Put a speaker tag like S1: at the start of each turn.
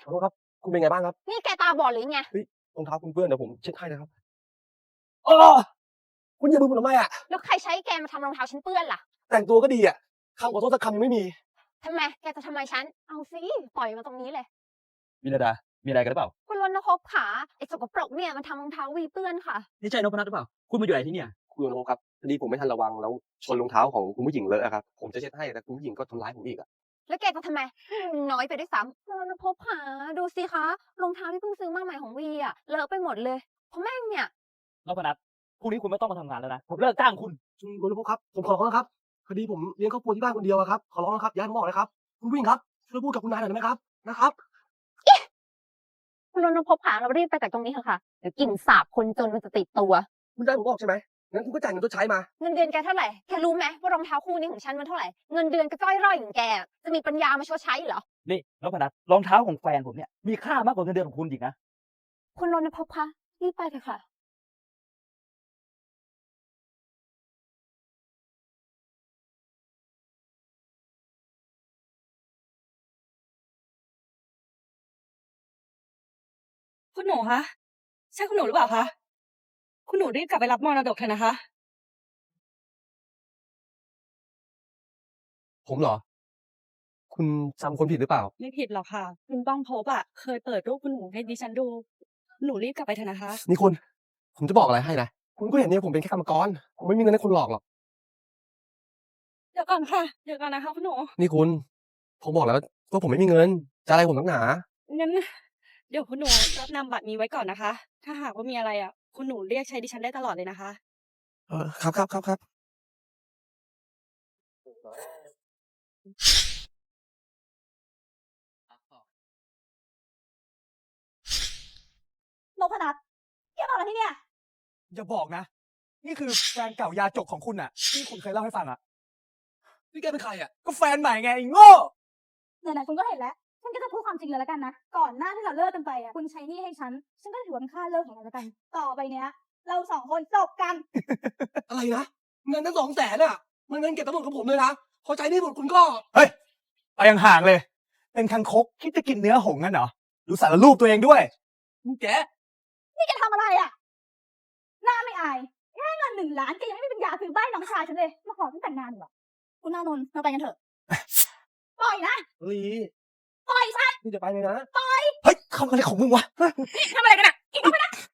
S1: ขอโทษครับคุณเป็นไงบ้างครับ
S2: นี่แกตาบอดหรือไง
S1: รองเท้าคุณเปื้อนเดี๋ยวผมเช็ดให้นะครับอ้อคุณเหยียบมือผมทำไมอะ
S2: แล้วใครใช้แกมาทำรองเท้าฉันเปื้อนล่ะ
S1: แต่งตัวก็ดีอะคำขอโทษสักคำยังไม่มี
S2: ทำไมแกจะทำไมฉันเอาสิปล่อยมาตรงนี้เลย
S3: วิรดามีอะไรกันหรือเปล่า
S2: คุณรณพขาไอ้สกปรกเนี่ยมันทำรองเท้าวีเปื้อนค่ะ
S3: นี่ใช่นพนัทหรือเปล่าคุณมาอยู่ไหนที่เนี่ย
S1: คุณโอโนครับพอดีผมไม่ทันระวังแล้วชนรองเท้าของคุณผู้หญิงเลอะอะครับผมจะเช็ดให้แต่คุณผู้หญิงก็ทำร้ายผมอีกอะ
S2: แล้วแกจะทำไมน้อยไปด้วยซ้ำคุณรณพขาดูสิคะรองเท้าที่เพิ่งซื้อมาใหม่ของวีอะเลอะไปหมดเลยเพราะแม่งเนี่ย
S3: นพนัทพรุ่งนี้คุณไม่ต้องมาทำงานแล้วนะผมเลิกจ้างคุณ
S1: คุณโอโนครับผมขอร้องนะครับพอดีผมเลี้ยงครอบครัวที่บ้านคนเดียวอะครับขอร้องนะครับอย่าให้ผมออกเลยครับคุณผู้หญิงครับช่วยพูดกับคุณนายหน่อยได้ไหมครับนะครับ
S2: คุณรณพขาเรารีบไปจากตรงนี้เถอะค่ะเดี๋ยวกลิ่นสาบคนจนมันจะติดตัว
S1: คุณจะให้ผมออกใช่ไหมงั้นคุณก็จ่ายเงินชดใช้มา
S2: เงินเดือนแกเท่าไหร่แกรู้ไหมว่ารองเท้าคู่นี้ของฉันมันเท่าไหร่เงินเดือนก็จ้อยร่อยอย่างแกจะมีปัญญามาชดใช้เหรอ
S3: นี่นพนัทรองเท้าของแฟนผมเนี่ยมีค่ามากกว่าเงินเดือนของคุณอีกนะ
S2: คุณรณพคะรีบไปเถอะค่ะ
S4: คุณหนูคะใช่คุณหนูหรือเปล่าคะคุณหนูรีบกลับไปรับมรดกเถอะนะคะ
S1: ผมเหรอคุณจำคนผิดหรือเปล่า
S4: ไม่ผิดหรอกค่ะคุณต้องพบอะเคยเปิดรูปคุณหนูให้ดิฉันดูหนูรีบกลับไปเถอะนะคะ
S1: นี่คุณผมจะบอกอะไรให้นะคุณก็เห็นเนี่ยผมเป็นแค่กรรมกรผมไม่มีเงินให้คุณหลอกหรอก
S4: เดี๋ยวก่อนค่ะเดี๋ยวก่อนนะคะคุณหนู
S1: นี่คุณผมบอกแล้วว่าผมไม่มีเงินจะอะไรผมนักหนา
S4: งั้นเดี๋ยวคุณหนูรับนำบัตรนี้ไว้ก่อนนะคะถ้าหากว่ามีอะไรอะคุณหนูเรียกใช้ดิฉันได้ตลอดเลยนะคะ
S1: ครับ
S4: นพนัทแกมาอะไรที่เนี่ย
S3: อย่าบอกนะนี่คือแฟนเก่ายาจกของคุณอ่ะที่คุณเคยเล่าให้ฟังอ่ะ
S1: นี่แกเป็นใครอ่ะ
S3: ก็แฟนใหม่ไงไอ้โง่
S5: ไหนๆคุณก็เห็นแล้วฉันก็จะพูดความจริงเลยแล้วกันนะ ก่อนหน้าที่เราเลิกกันไปอ่ะคุณใช้หนี้ให้ฉันก็ถือว่าเป็นค่าเลิกของเราแล้วกัน ต่อไปเนี้ย เราสองคนจบกัน
S1: อะไรนะเงินทั้ง200,000อ่ะมันเงินเก็บทั้งหมดของผมเลยนะพอใจนี่หมดคุณก็
S3: เฮ้ยไปห่างๆเลยเป็นคังคกคิดจะกินเนื้อหงส์งั้นเหรอดูสารรูปตัวเองด้วย
S1: แก
S5: นี่แกทำอะไรอ่ะ หน้าไม่อายแค่เงิน1 ล้านแกยังไม่มีปัญญาซื้อบ้านน้องชายฉันเลย มาขอฉันแต่งงานเหรอคุณนานนท์เราไปกันเถอะ ปล่อยนะ
S1: ลี
S5: ปล่อยฉัน
S1: นี่จะไปเลยนะ
S3: เฮ้ยทำอะไรของมึงวะ
S5: นี่ทำอะไรกันอ่ะอีกเข้าไปนะ